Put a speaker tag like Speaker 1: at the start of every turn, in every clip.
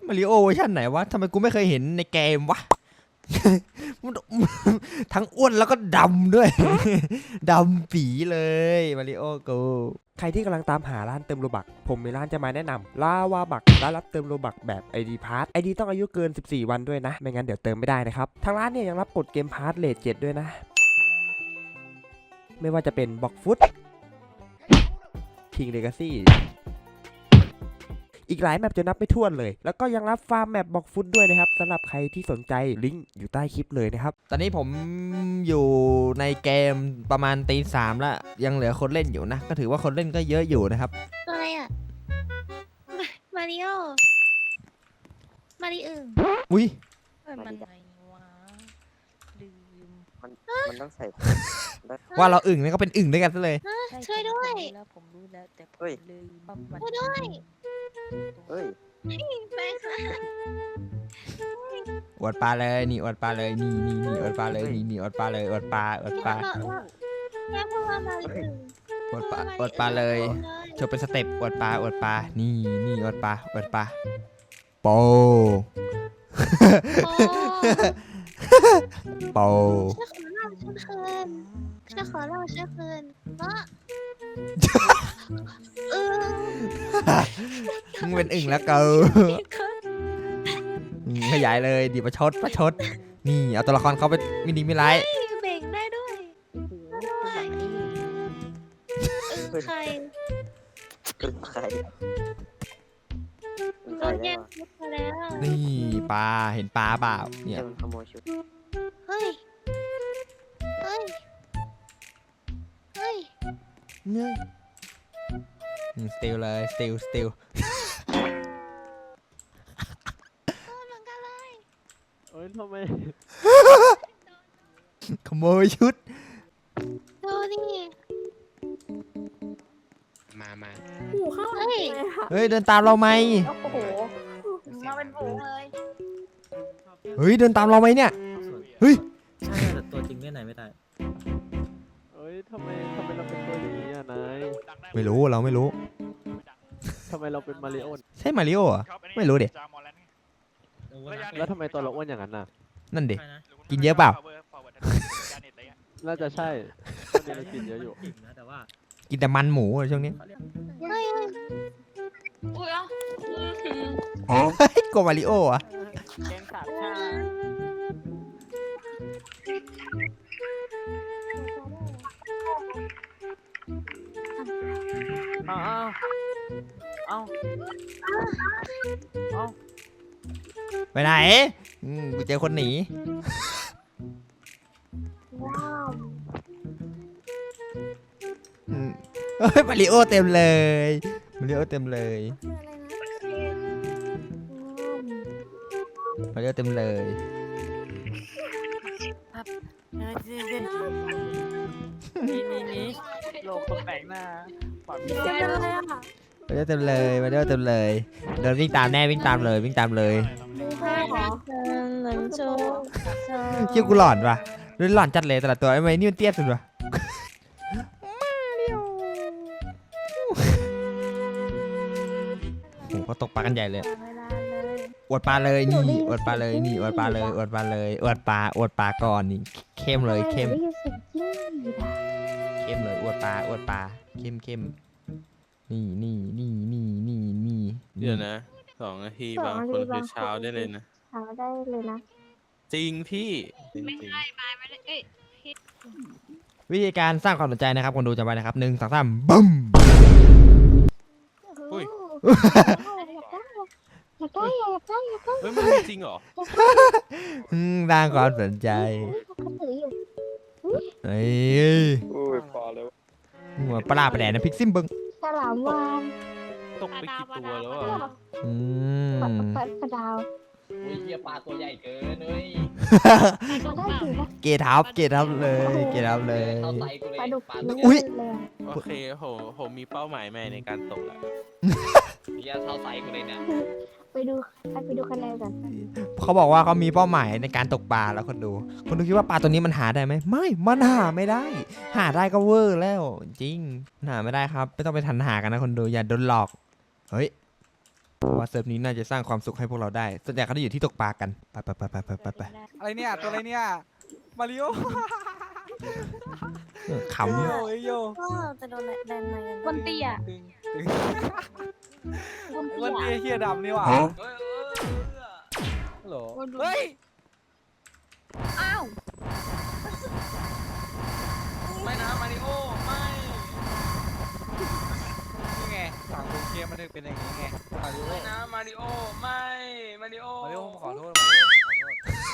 Speaker 1: มาริโอเวอร์ชันไหนวะทำไมกูไม่เคยเห็นในเกมวะ ทั้งอ้วนแล้วก็ดำด้วย ดำปีเลยมาริโอกูใครที่กำลังตามหาร้านเติมโลบักผมมีร้านจะมาแนะนำลาวาบักร้านรับเติมโลบักแบบ ID Pass ID ต้องอายุเกิน14วันด้วยนะไม่งั้นเดี๋ยวเติมไม่ได้นะครับทางร้านเนี่ยยังรับกดเกมพาร์ทเลท7ด้วยนะไม่ว่าจะเป็นบ็อกฟุตคิงเลกาซี่อีกหลายแมปจะนับไม่ถ้วนเลยแล้วก็ยังรับฟาร์มแมปบ็อกฟุตด้วยนะครับสำหรับใครที่สนใจลิงก์อยู่ใต้คลิปเลยนะครับตอนนี้ผมอยู่ในเกมประมาณตี 3แล้วยังเหลือคนเล่นอยู่นะก็ถือว่าคนเล่นก็เยอะอยู่นะครับ
Speaker 2: ตัวอะไรอ่ะมาริโอมาริอึ่ง
Speaker 1: อุ้ย
Speaker 2: มันไงวะลืม
Speaker 3: มันต้องใส่
Speaker 1: ว่าเราอึ่งนี่ก็เป็นอึ่งด้วยกันซะเลย
Speaker 2: ช่วยด้วย
Speaker 4: แล้วผมรู้แล้วแต่ผม
Speaker 3: เฮ้ย
Speaker 4: ลืมว่ามัน
Speaker 2: ช่วยด้วย
Speaker 3: เฮ้ย
Speaker 2: ไปค่ะ
Speaker 1: อวดปลาเลยนี่อวดปลาเลยนี่อวดปลาเลยนี่อวดปลาเลยอวดปลา
Speaker 2: แม่พูดว่ามาริอึ่ง
Speaker 1: อวดปลาเลยโชว์เป็นสเต็ปอวดปลานี่อวดปลาโปโป
Speaker 2: ช่วยขอเล่าช่วยคืน
Speaker 1: มึงเป็นอึ่งแล้วเกาขยายเลยดีประชดนี่เอาตัวละครเขาไปมินิมิไลท์
Speaker 2: เบ่งได้ด้วยใคร
Speaker 3: เป็นใคร
Speaker 2: โดนแย่งชุดมาแล้ว
Speaker 1: นี่ปลาเห็นปลาเปล่าเนี่ย
Speaker 3: มันขโมยชุด
Speaker 2: เฮ้ย
Speaker 1: สติลเลยสติล
Speaker 2: เหมือนกันเลย
Speaker 5: เอ้ยทำไม
Speaker 1: ขโมยชุด
Speaker 2: ดูดิ
Speaker 3: มา
Speaker 6: หูข้างหลังเลยค่ะ
Speaker 1: เฮ้ยเดินตามเราไหม
Speaker 6: โอ้โหมาเป็นฝูงเลย
Speaker 1: เฮ้ยเดินตามเราไหมเนี่ยเฮ้ย
Speaker 7: ใช่แต่ตัวจริงเล่นไหนไม่ได้
Speaker 5: เอ้ยทำไมเราเป็นตัวนี้อ่ะนาย
Speaker 1: ไม่รู้เราไม่รู้
Speaker 5: ทำไมเราเป็นมาริโอ
Speaker 1: ใช่มาริโออ่ะไม่รู้ดิ
Speaker 5: แล้วทำไมตัวเราอ้วนอย่างนั้นน่ะ
Speaker 1: นั่นดิ
Speaker 7: ใช่นะ
Speaker 1: กินเยอะเปล่า
Speaker 5: น่าจะใช่ช่วงนี้เรากินเยอะอยู่
Speaker 7: จริงนะแต่ว่า
Speaker 1: กินแต่มันหมูอะช่วงนี้
Speaker 7: เขาเรียก
Speaker 2: เฮ้ย
Speaker 6: อุ้ยอ่ะ
Speaker 1: เฮ้ยโกมาริโออ่ะ
Speaker 5: แกงสาบชาเอา
Speaker 1: ไปไหนกูเจอคนหนีเฮ้ยมาริโอเต็มเลยมาริโอเต็มเลยมาริโอเต็มเลย
Speaker 5: นี่โลกคนแปลกหน้าปอด
Speaker 6: เจอเลยอ่ะ
Speaker 1: มาริโอเต็มเลยมาริโอเต็มเลยเดินวิ่งตามแน่วิ่งตามเลย
Speaker 6: ใช่เหรอ
Speaker 2: หลังโจ
Speaker 1: เชี่ยกูหลอนว่ะดูหลอนจัดเลยแต่ละตัวไอ้ไม้นี่มันเตี้ยสุดว่ะโอ้โหเขาตกปลากันใหญ่เลย
Speaker 6: เวลาเลย
Speaker 1: อวดปลาเลยนี่อวดปลาเลยนี่อวดปลาเลยอวดปลาเลยอวดปลาก่อนนี่เข้มเลยเข้ม
Speaker 6: ได้ยินเสียงจิ้งหรีดอ่ะ
Speaker 1: เข้มเลยอวดปลาเข้มนี่
Speaker 8: เดี๋ยวนะ2 นาทีบางคนคือเช้าได้เลยนะ
Speaker 6: เช้าได้เลยนะ
Speaker 8: จริงพี่จริง
Speaker 1: วิธีการสร้างความสนใจนะครับคนดูจำไว้นะครับ1 2 3บึ้ม
Speaker 8: อุ้ย
Speaker 6: อยากได้
Speaker 8: เฮ้ยมันมีจริงเหรอ
Speaker 1: สร้างความสนใจ
Speaker 6: เขาถืออยู่
Speaker 1: เฮ้ย
Speaker 3: อุ้ยพอแล้ว
Speaker 1: หัวปลาประแดดนะพิกซิมบึ้ง
Speaker 6: ฉลามวาน
Speaker 8: ตกไปกี่ตัวแล้วอ่ะ
Speaker 1: อืม
Speaker 6: ปลาดาว
Speaker 3: อุ้ยเฮียปลาตัวใหญ่เกินเฮ้ย
Speaker 6: เราได้ถือว่า
Speaker 1: เกทับเลย
Speaker 3: เข้าใส่กูเลย
Speaker 6: ปลาดุก
Speaker 1: อุ๊ย
Speaker 6: เลย
Speaker 8: โอเคผมมีเป้าหมายใหม่ในการตกแล้ว
Speaker 3: เฮียเข้าใส่กูเลยเนี่ย
Speaker 6: ไปดูคะแนนกัน
Speaker 1: เขาบอกว่าเขามีเป้าหมายในการตกปลาแล้วคนดูคิดว่าปลาตัวนี้มันหาได้ไหมไม่มันหาไม่ได้ หาได้ก็เวอร์แล้วจริงหาไม่ได้ครับไม่ต้องไปทันหากันนะคนดูอย่าโดนหลอกเฮ้ยว่าเซิร์ฟนี้น่าจะสร้างความสุขให้พวกเราได้ส่วนใหญ่เขาจะอยู่ที่ตกปลากันไป
Speaker 5: อะไรเนี่ยตัวอะไรเนี่ยมาริโอ
Speaker 1: ขำ
Speaker 5: โยโย
Speaker 4: ก็จะโดนแบนมากัน
Speaker 2: วันเตี้ย
Speaker 5: ตึงตึง
Speaker 2: วัน
Speaker 5: วัน
Speaker 2: เตี้ย
Speaker 5: นี้เฮียดำนี่หว่าฮัลโหลเฮ้ย
Speaker 2: อ้าว
Speaker 5: ไม่นะมาริโอไม่นี่ไงสั่งโอเคมันถึงเป็นอย่างนี้ไงมาริโอ
Speaker 9: ไม่นะมาริโอไม่มาริโอ
Speaker 5: มาริโอผมขอโทษมาริโอผมขอโทษ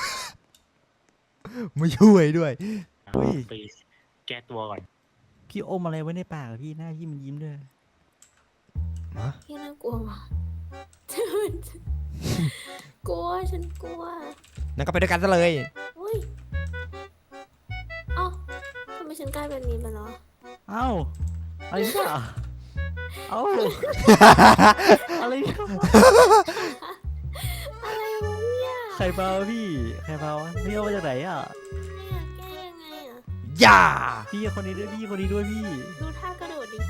Speaker 1: ไม่ช่วยด้วย
Speaker 7: ไปแก้ตัวก่อน พี่อมอะไรไว้ในปากอะพี่หน้าพี่มันยิ้มด้วย
Speaker 6: พี่น่ากลัวว่ะ กลัวฉันกลัว
Speaker 1: นั่นก็ไปด้วยกันซะเลย
Speaker 6: อุ้ยเอ้าทำไมฉันกลายเป็นนี้ไปแล้ว
Speaker 7: เอ้าอะไรเนี่ยเอ้าอะไรเนี่ย
Speaker 6: อะไรวะเนี่ย
Speaker 7: ใครเบาพี่ใครเบาวะพี่เอามาจากไหนอ่ะ
Speaker 6: แก้ยังไงอ่ะ
Speaker 1: อย่า
Speaker 7: พี่คนนี้ด้วยพี่คนนี้ด้วยพี่
Speaker 6: ดูท่ากระโดดดิ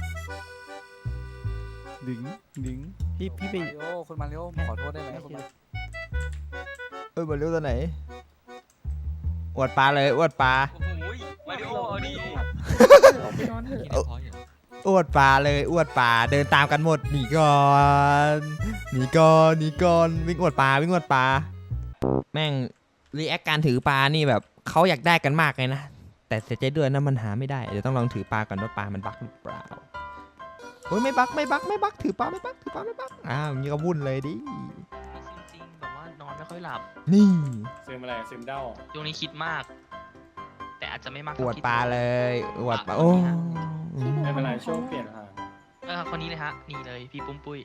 Speaker 7: ดึงพี่ไป
Speaker 5: มาริโอคุณมาริโอผมขอโทษได้ไหมคุณมา
Speaker 1: มาเร็วตัวไหนอวดปลาเลยอวดปลา
Speaker 9: โอ้โหมาริโอเอาดิ
Speaker 2: ไปนอนเถอะ
Speaker 1: อวดปลาเลยอวดปลาเดินตามกันหมดหนีก่อนหนีก่อนวิ่งอวดปลาแม่งรีแอคการถือปลานี่แบบเขาอยากได้กันมากเลยนะแต่เสียใจด้วยนะมันหาไม่ได้เดี๋ยวต้องลองถือปลาก่อนว่าปลามันบั๊กหรือเปล่าโอ้ยไม่บั๊กถือปลาไม่บั๊กอ้าวอย่างนี้ก็วุ่นเลยดิ
Speaker 9: จริงๆแบบว่านอนไม่ค่อยหลับ
Speaker 1: นี่
Speaker 3: ซึมอะไรซึมเด้า
Speaker 9: ช่วงนี้คิดมาก แต่อาจจะไม่มาก
Speaker 1: อ
Speaker 9: เท่
Speaker 1: วด
Speaker 9: คิ
Speaker 1: ปลาเลยอวดปลาโอ้
Speaker 3: ไม่เป็นไรช่วงเปลี่ยนผ่าน
Speaker 9: คนนี้เลยฮะนี่เลยพี่ปุ้มปุ้ย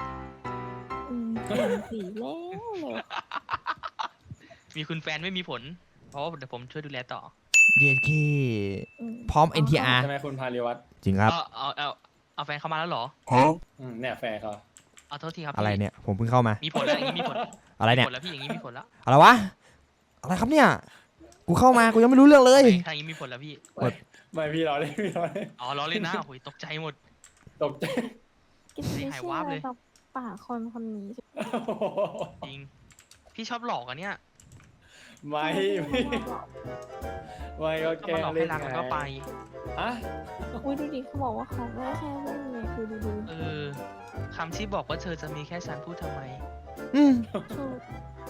Speaker 6: สีแล้วเลย
Speaker 9: มีคุณแฟนไม่มีผล เพราะว่าเดี๋ยวผมช่วยดูแลต่อ
Speaker 1: เย็นขี้พร้อม NTR
Speaker 3: ใช่ไหมคุณพาริวัตร
Speaker 1: จริงครับ
Speaker 9: เอาแฟนเข้ามาแล้วเหรอ
Speaker 3: เนี่ยแฟร์เขา
Speaker 9: เอาโทษทีครับ
Speaker 1: อะไร
Speaker 9: พี่
Speaker 1: เนี่ยผมเพิ่งเข้ามา
Speaker 9: มีผลแล้วอย่างนี้มีผล
Speaker 1: อะไรเนี่ย
Speaker 9: ผลแล้วพี่อย่างนี้มีผลแล้ว
Speaker 1: อะไรวะอะไรครับเนี่ยกูเข้ามากูยังไม่รู้เรื่องเลย
Speaker 9: ทางนี้มีผลแล้วพี่
Speaker 3: ไม่พี่รอเลยพี่รอเลย
Speaker 9: อ๋อล้อเล่นนะโอ้ยตกใจหมด
Speaker 3: ตกใจ
Speaker 6: กินไม่
Speaker 9: หาย
Speaker 6: เชื่
Speaker 9: วา
Speaker 6: อบ
Speaker 9: เลย
Speaker 6: กับป่าคนนี้
Speaker 9: จริง พี่ชอบหลอกอะเนี่ย
Speaker 3: ไม่ก็
Speaker 9: ชอบ
Speaker 3: แกล้
Speaker 9: มาง หลอก
Speaker 3: เล่
Speaker 9: ให้
Speaker 3: น
Speaker 9: รักแล้วก็ไป
Speaker 3: ฮะ
Speaker 6: อุ้ยดูดิเขาบอกว่าเขาไม่ได้แค่เล่นเลยคือดู
Speaker 9: เออคำที่บอกว่าเธอจะมีแค่ฉันพูดทำไม
Speaker 1: อืม
Speaker 6: ถูก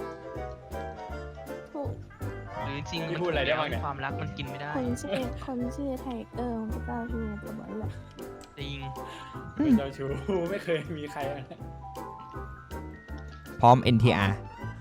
Speaker 9: หรือจริงๆ
Speaker 3: พี่
Speaker 9: มัน
Speaker 3: พูดอะไรได้บ้างเนี่ย
Speaker 9: ความรักมันกินไม่ได้
Speaker 6: คนชื่อไทเกอร์มันก็เจ้าชื่อตัวมันแหละ
Speaker 9: จริง
Speaker 3: เป็นเจ้าชู้ไม่เคยมีใครนะ
Speaker 1: พร้อม NTR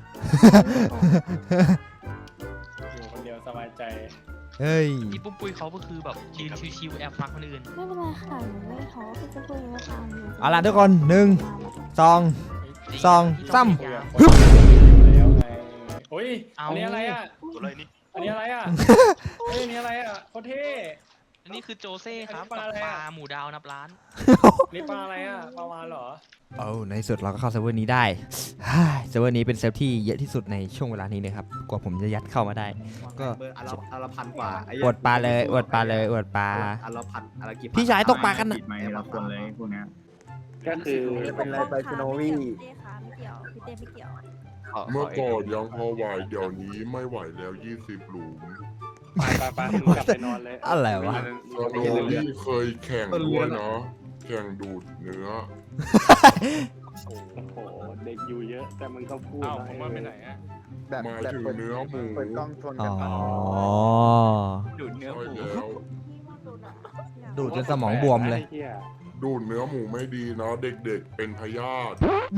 Speaker 3: อยู่คนเดียวสบายใจ
Speaker 1: เฮ้ย
Speaker 9: พี่ปุ้มปุ้ยเขาก็คือแบบยืนชิวๆแอบฟังคนอื่น
Speaker 6: ไม่เป็นไรค่ะหนูไม่ท้อพี่จะพูดยังไงก็ตาม
Speaker 1: เอาล่ะทุกคน1 2
Speaker 9: จริง
Speaker 1: สอง
Speaker 9: พี่
Speaker 1: สาม
Speaker 9: พยาย
Speaker 3: คุยกับคนแล้วไงโอ้ย
Speaker 9: เอา
Speaker 3: อันนี้อะไรอ่ะ
Speaker 9: อะไรนี่
Speaker 3: อันนี้อะไรอ่ะเฮ้ยอันนี้อะไรอ่ะโคตรเท่
Speaker 9: อันนี้คือโจเซ่ครับ
Speaker 3: อันนี้ปลาอะไร
Speaker 9: กับปลา
Speaker 3: อะ
Speaker 9: หมูดาวนับล้าน
Speaker 3: นี่ปลาอะไรอ่ะปลาวาฬเหรอ
Speaker 1: เอาในที่สุดเราก็เข้าเซิร์ฟเวอร์นี้ได้เซิร์ฟเวอร์นี้เป็นเซิร์ฟที่เยอะที่สุดในช่วงเวลานี้นะครับกว่าผมจะยัดเข้ามาได้ ก็
Speaker 10: อันละพันกว่าไอ้
Speaker 1: อวดปลาเลยอวดปลา
Speaker 10: อันละพันอันละกี่พัน
Speaker 1: พี่ชายตกปลากันน่ะ
Speaker 10: ติดไหมละคนเลยพวกเนี้ย
Speaker 3: ก็คือ
Speaker 10: เป็นไรไปคุณโนวี่
Speaker 4: พี่เต้ขาไม่เกี่ยวพี่เต้ไม่เกี่ยว
Speaker 11: เมื่อก่อนยังพอไหวเดี๋ยวนี้ไม่ไหวแล้ว20 หลุม
Speaker 3: ไปมึงกลับไปนอนเลย
Speaker 1: อะไรวะ
Speaker 11: สโนวี่เคยแข่งด้วยนะ แข่งดูดเนื้อ
Speaker 3: โอ้โหเด็กอยู่เยอะ แต่มึงก็พูด
Speaker 5: อ้าวผมว่าไปไหนอ่ะ
Speaker 11: หมายถึงเนื้อหมู
Speaker 10: เปิดกล้องชน
Speaker 1: อ๋
Speaker 10: กัน
Speaker 1: อ
Speaker 5: ดูดเนื้อ
Speaker 11: ใช่
Speaker 5: หมู
Speaker 11: แล้ว
Speaker 1: ดูดจนสมองบวมเลย
Speaker 11: ดูดเนื้อหมูไม่ดีนะ เด็กๆเป็นพยาธิ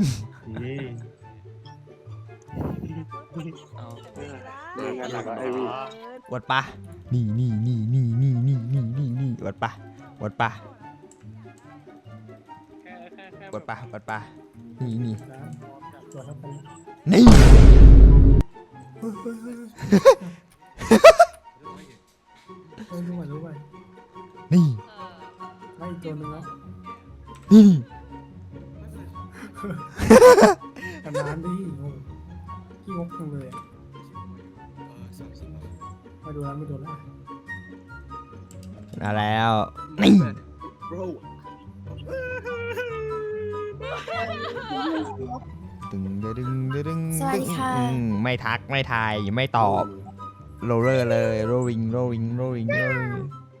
Speaker 1: อวดปลานี่อวดปลาอวดปลานี่นี่นี่
Speaker 10: ไม่ตัวนึงแล้ว
Speaker 1: นี่
Speaker 10: นานดิขี้งกจังเลยไม่ดูแล้วไม่ดูแล้ว
Speaker 1: มาแล้วนี่
Speaker 10: bro
Speaker 1: ตึงดึงดึงดึง
Speaker 6: สวัสดีค่ะ
Speaker 1: ไม่ทักไม่ทายไม่ตอบโรลเลอร์เลยโรวิงโรวิงโรวิงโรวิง